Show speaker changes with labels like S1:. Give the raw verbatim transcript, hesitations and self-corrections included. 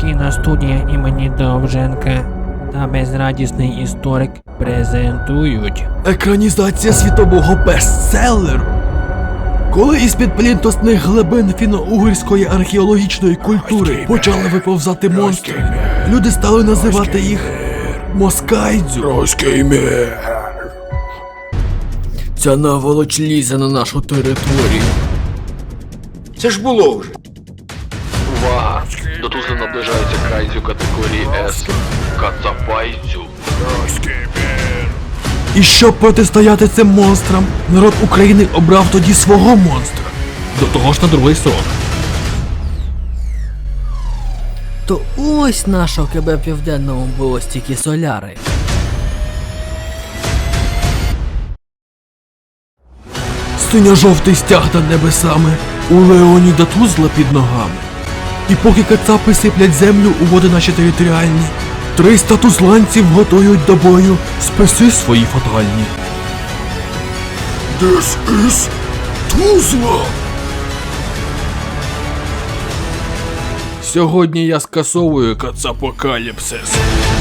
S1: Кіностудія імені Довженка та безрадісний історик презентують
S2: Екранізація світового бестселеру. Коли із-під плінтосних глибин фіно-угорської археологічної культури почали виповзати монстри, люди стали називати їх москайдзю.
S3: Руський мір.
S2: Ця наволоч лізе на нашу територію.
S3: Це ж було вже.
S4: Увага! До Тузли наближається кайдзю категорії С. Кацапайдзю.
S3: Руський мір.
S2: І щоб протистояти цим монстрам, народ України обрав тоді свого монстра. До того ж на другий срок.
S5: То ось нашого КБ Південному було стільки соляри.
S2: Синьо-жовтий стяг над небесами, у Леоніда Тузла під ногами. І поки кацапи сиплять землю у води наші територіальні, триста тузланців готують до бою списи свої фатальні.
S3: This is Тузла.
S2: Сьогодні я скасовую кацапокаліпсис.